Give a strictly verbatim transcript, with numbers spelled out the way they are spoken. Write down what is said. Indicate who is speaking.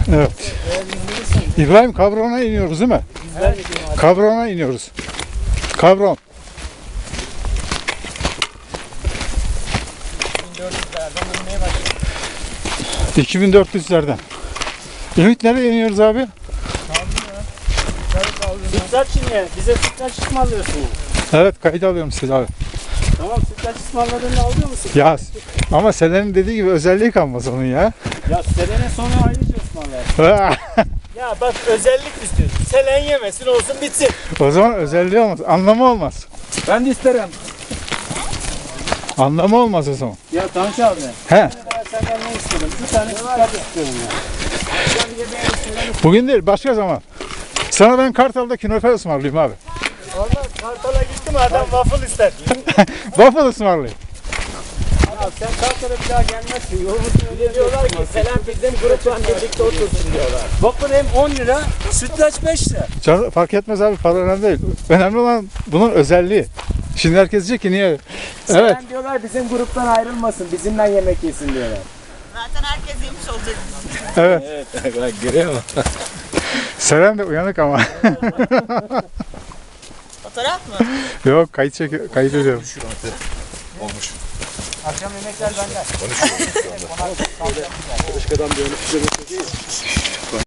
Speaker 1: Evet. İbrahim Kabron'a iniyoruz değil mi? Kabron'a iniyoruz. Kabron. iki bin dört yüzlerden. Ümit nereye iniyoruz abi?
Speaker 2: Sütlaç şimdi. Bize sütlaç ısmarlıyorsun.
Speaker 1: Evet, kayıt alıyorum sizi abi.
Speaker 2: Tamam, sütlaç ısmarladığını alıyor musun?
Speaker 1: Ya ama Selen'in dediği gibi özelliği kalmaz onun ya.
Speaker 2: Ya Selen'e sonra ayrıca ısmarlar. Ya bak, özellik istiyorsun. Selen yemesin, olsun bitsin.
Speaker 1: O zaman özelliği olmaz. Anlamı olmaz.
Speaker 2: Ben de isterim.
Speaker 1: Anlamı olmaz o zaman.
Speaker 2: Ya Tanış abi.
Speaker 1: He.
Speaker 2: Ben senden ne istedim? Bir tane sütlaç istiyorum ya.
Speaker 1: Bugün değil, başka zaman. Sana ben Kartal'da künefe ısmarlayayım abi.
Speaker 2: Olmaz, Kartal'a gittim, adam waffle ister.
Speaker 1: Waffle ısmarlayayım.
Speaker 2: Ya sen Kartal'a bir daha gelmezsin. Yolumuzun öyle diyorlar ki Selen bizim grupla birlikte otursun diyorlar. Waffle hem on lira, sütlaç beş lira.
Speaker 1: Can, fark etmez abi, para önemli değil. Önemli olan bunun özelliği. Şimdi herkes diyecek ki niye? Evet.
Speaker 2: Selen diyorlar bizim gruptan ayrılmasın, bizimle yemek yesin diyorlar.
Speaker 3: Zaten herkes yemiş olacak.
Speaker 1: Evet.
Speaker 2: Evet, bak görüyor musun?
Speaker 1: Selen de uyanık ama.
Speaker 3: Fotoğraf mı?
Speaker 1: Yok, kayıt çek kayıt ediyorum.
Speaker 4: Olmuş.
Speaker 2: Akşam yemekler benden.
Speaker 4: Konuşuyoruz şu anda. Başkadan bir önü